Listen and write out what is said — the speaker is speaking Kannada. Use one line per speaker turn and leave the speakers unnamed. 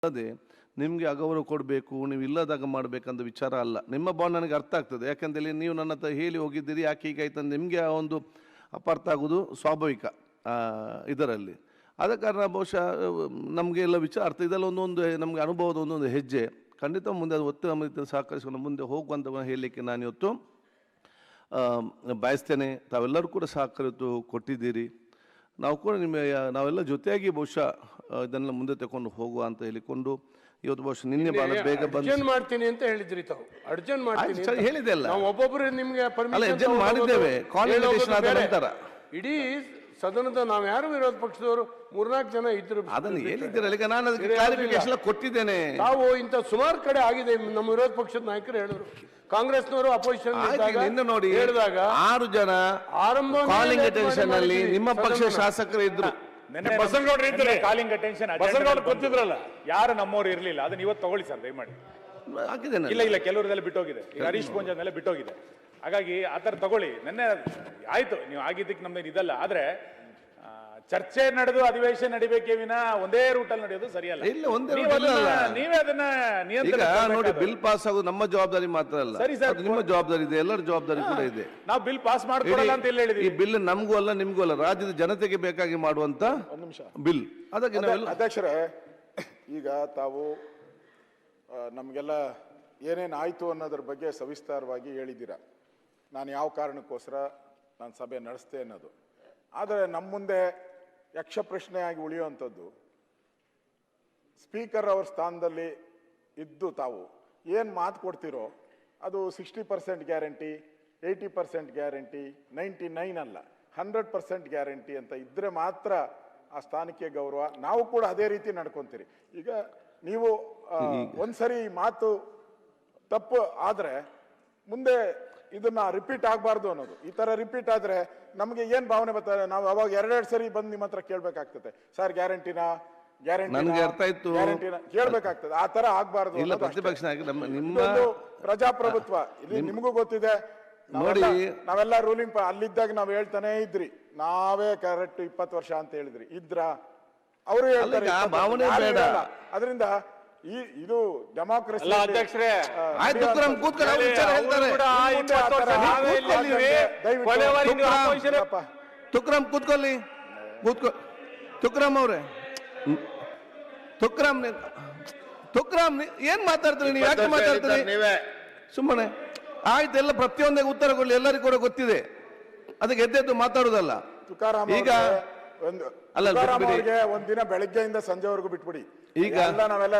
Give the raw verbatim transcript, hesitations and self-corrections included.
ಅದೇ ನಿಮಗೆ ಅಗೌರವ ಕೊಡಬೇಕು, ನೀವು ಇಲ್ಲದಾಗ ಮಾಡಬೇಕಂತ ವಿಚಾರ ಅಲ್ಲ. ನಿಮ್ಮ ಬಾಂಡ್ ನನಗೆ ಅರ್ಥ ಆಗ್ತದೆ, ಯಾಕಂತೇಳಿ ನೀವು ನನ್ನ ಹತ್ರ ಹೇಳಿ ಹೋಗಿದ್ದೀರಿ, ಯಾಕೆ ಹೀಗಾಯ್ತು ನಿಮಗೆ ಆ ಒಂದು ಅಪಾರ್ಥ ಆಗೋದು ಸ್ವಾಭಾವಿಕ ಇದರಲ್ಲಿ. ಆದ ಕಾರಣ ಬಹುಶಃ ನಮಗೆ ಎಲ್ಲ ವಿಚಾರ ಅರ್ಥ, ಇದೆಲ್ಲ ಒಂದೊಂದು ನಮಗೆ ಅನುಭವದ ಒಂದೊಂದು ಹೆಜ್ಜೆ. ಖಂಡಿತ ಮುಂದೆ ಅದು ಒತ್ತು ನಮ್ಮ ಸಹಕರಿಸಿಕೊಂಡು ಮುಂದೆ ಹೋಗುವಂತ ಹೇಳಲಿಕ್ಕೆ ನಾನು ಇವತ್ತು ಬಯಸ್ತೇನೆ. ತಾವೆಲ್ಲರೂ ಕೂಡ ಸಹಕರಿತು ಕೊಟ್ಟಿದ್ದೀರಿ, ನಾವು ಕೂಡ ನಿಮ್ಮ ನಾವೆಲ್ಲ ಜೊತೆಯಾಗಿ ಬಹುಶಃ ಇದನ್ನೆಲ್ಲ ಮುಂದೆ ತಗೊಂಡು ಹೋಗುವ ಅಂತ ಹೇಳಿಕೊಂಡು ಇವತ್ತು ಬಹುಶಃ ನಿನ್ನೆ ಬಹಳ ಬೇಗ
ಬಂದು ಮಾಡ್ತೀನಿ ಅಂತ ಹೇಳಿದ್ರಿ ತಾವು. ಅರ್ಜೆಂಟ್ ಮಾಡ್ತೀನಿ
ಹೇಳಿದೆ ಅಲ್ಲ,
ನಾವು ಒಬ್ಬೊಬ್ಬರು ನಿಮಗೆ
ಪರ್ಮಿಷನ್ ಮಾಡಿದ್ದೇವೆ. ಕಾನ್ವೊಕೇಶನ್ ಆದ ನಂತರ
ಇಡೀ ಸದನದ ನಾವು ಯಾರು ವಿರೋಧ ಪಕ್ಷದವರು ಮೂರ್ನಾಲ್ಕು ಜನ ಇದ್ರು,
ಅದನ್ನು ಹೇಳಿದ್ದೀರಲ್ಲ, ಈಗ ನಾನು ಅದಕ್ಕೆ ಕ್ಲಾರಿಫಿಕೇಶನ್ ಕೊಟ್ಟಿದ್ದೇನೆ.
ತಾವು ಇಂಥ ಸುಮಾರು ಕಡೆ ಆಗಿದೆ, ನಮ್ಮ ವಿರೋಧ ಪಕ್ಷದ ನಾಯಕರು ಹೇಳಿದ್ರು, ಕಾಂಗ್ರೆಸ್ನವರು ಅಪೋಸಿಷನ್
ನೋಡಿ ಹೇಳಿದಾಗ ಆರು ಜನ
ಆರಂಭ
ಕಾಲಿಂಗ್ ಅಟೆನ್ಷನ್ ಅಲ್ಲಿ ನಿಮ್ಮ ಪಕ್ಷ ಶಾಸಕರು ಇದ್ರು.
ಕಾಲಿಂಗ್ ಅಟೆನ್ಷನ್ ಗೊತ್ತಿದ್ರಲ್ಲ, ಯಾರು ನಮ್ಮವ್ರು ಇರ್ಲಿಲ್ಲ, ಅದನ್ನ ಇವತ್ತು ತಗೊಳ್ಳಿ ಸರ್ ದಯಮಾಡಿ. ಇಲ್ಲ ಇಲ್ಲ ಕೆಲವರದೆಲ್ಲ ಬಿಟ್ಟೋಗಿದೆ, ಈಗ ಹರೀಶ್ ಪೂಂಜಾನೆಲ್ಲ ಬಿಟ್ಟೋಗಿದೆ. ಹಾಗಾಗಿ ಆತರ ತಗೊಳ್ಳಿ. ನೆನ್ನೆ ಆಯ್ತು, ನೀವು ಆಗಿದ್ದಕ್ಕೆ ನಮ್ದು ಇದಲ್ಲ, ಆದ್ರೆ ಚರ್ಚೆ ನಡೆದು ಅಧಿವೇಶನ ನಡಿಬೇಕೇ ವಿನ ಒಂದೇ ರೂಟಲ್ಲಿ ನಡೆಯೋದು ಸರಿಯಲ್ಲ.
ಇಲ್ಲ, ಒಂದೇ
ನೀವೇ ಅದನ್ನ
ನಿಯಂತ್ರಣ ನೋಡಿ. ಬಿಲ್ ಪಾಸ್ ಆಗೋದು ನಮ್ಮ ಜವಾಬ್ದಾರಿ ಮಾತ್ರ ಅಲ್ಲ, ಸರಿ ಸರ್, ನಿಮ್ಮ ಜವಾಬ್ದಾರಿ ಇದೆ, ಎಲ್ಲರ ಜವಾಬ್ದಾರಿ ಕೂಡ ಇದೆ.
ನಾವು ಬಿಲ್ ಪಾಸ್ ಮಾಡ್ಕೊಡಲ್ಲ ಅಂತ ಹೇಳಿದ್ವಿ.
ಈ ಬಿಲ್ ನಮಗೂ ಅಲ್ಲ ನಿಮ್ಗೂ ಅಲ್ಲ, ರಾಜ್ಯದ ಜನತೆಗೆ ಬೇಕಾಗಿ ಮಾಡುವಂತ ಬಿಲ್. ಅದಕ್ಕೆ ನಾವೆಲ್ಲ
ಅಧ್ಯಕ್ಷರೇ, ಈಗ ತಾವು ನಮಗೆಲ್ಲ ಏನೇನು ಆಯ್ತು ಅನ್ನೋದ್ರ ಬಗ್ಗೆ ಸವಿಸ್ತಾರವಾಗಿ ಹೇಳಿದ್ದೀರಾ. ನಾನು ಯಾವ ಕಾರಣಕ್ಕೋಸ್ಕರ ನಾನು ಸಭೆ ನಡೆಸ್ತೆ ಅನ್ನೋದು. ಆದರೆ ನಮ್ಮ ಮುಂದೆ ಯಕ್ಷ ಪ್ರಶ್ನೆಯಾಗಿ ಉಳಿಯುವಂಥದ್ದು, ಸ್ಪೀಕರ್ ಅವ್ರ ಸ್ಥಾನದಲ್ಲಿ ಇದ್ದು ತಾವು ಏನು ಮಾತು ಕೊಡ್ತಿರೋ ಅದು sixty percent guarantee, eighty percent guarantee, ninety nine ಅಲ್ಲ, ಹಂಡ್ರೆಡ್ ಪರ್ಸೆಂಟ್ ಗ್ಯಾರಂಟಿ ಅಂತ ಇದ್ದರೆ ಮಾತ್ರ ಆ ಸ್ಥಾನಕ್ಕೆ ಗೌರವ. ನಾವು ಕೂಡ ಅದೇ ರೀತಿ ನಡ್ಕೊತೀರಿ. ಈಗ ನೀವು ಒಂದ್ಸರಿ ಮಾತು ತಪ್ಪು ಆದರೆ ಮುಂದೆ ಇದನ್ನ ರಿಪೀಟ್ ಆಗಬಾರ್ದು ಅನ್ನೋದು. ಈ ತರ ರಿಪೀಟ್ ಆದ್ರೆ ನಮಗೆ ಏನ್ ಭಾವನೆ ಬರ್ತಾರೆ, ನಾವು ಅವಾಗ ಎರಡೆರಡು ಸರಿ ಬಂದು ನಿಮ್ಮ ಹತ್ರ ಕೇಳ್ಬೇಕಾಗ್ತದೆ, ಸರ್ ಗ್ಯಾರಂಟಿನಾ ಗ್ಯಾರಂಟಿ
ನನಗೆ ಅರ್ಥ ಆಯ್ತು,
ಗ್ಯಾರಂಟಿನ ಕೇಳ್ಬೇಕಾಗ್ತದೆ. ಆ ತರ ಆಗ್ಬಾರ್ದು.
ಇಲ್ಲ, ಪ್ರತಿಪಕ್ಷ ನಿಮ್ಮ
ಪ್ರಜಾಪ್ರಭುತ್ವ ಇಲ್ಲಿ ನಿಮಗೂ ಗೊತ್ತಿದೆ. ನೋಡಿ, ನಾವೆಲ್ಲ ರೂಲಿಂಗ್ ಅಲ್ಲಿದ್ದಾಗ ನಾವ್ ಹೇಳ್ತಾನೆ ಇದ್ರಿ, ನಾವೇ ಕರೆಕ್ಟ್ ಇಪ್ಪತ್ತು ವರ್ಷ ಅಂತ ಹೇಳಿದ್ರಿ ಇದ್ರ, ಅವರು ಹೇಳ್ತಾರೆ
ಭಾವನೆ ಬೇಡ.
ಅದರಿಂದ ಈ ಇದು ಡೆಮಾಕ್ರಸಿ.
ಅಧ್ಯಕ್ಷರೇ,
ತುಕ್ರಾಮ್ ಕೂತ್ಕೊಳ್ಳಿ, ಕೂತ್ಕೊ ತುಕ್ರಾಮ್ ಅವ್ರೆ, ತುಕ್ರಾಮ್ ತುಕ್ರಾಮ್ ಏನ್ ಮಾತಾಡ್ತೀರಿ ನೀವು? ಯಾಕೆ ಮಾತಾಡ್ತೀರಿ ನೀವೇ? ಸುಮ್ಮನೆ ಆಯ್ತು, ಎಲ್ಲ ಪ್ರತಿಯೊಂದೇ ಉತ್ತರ ಕೊಡ್ಲಿ, ಎಲ್ಲರಿಗೂ ಕೂಡ ಗೊತ್ತಿದೆ, ಅದಕ್ಕೆ ಎದ್ದೆದ್ದು ಮಾತಾಡುದಲ್ಲ. ಈಗ
ಒಂದು ಅಲ್ಲ, ಒಂದಿನ ಬೆಳಗ್ಗೆಯಿಂದ ಸಂಜೆವರೆಗೂ ಬಿಟ್ಬಿಡಿ. ಈಗ ನಾವೆಲ್ಲ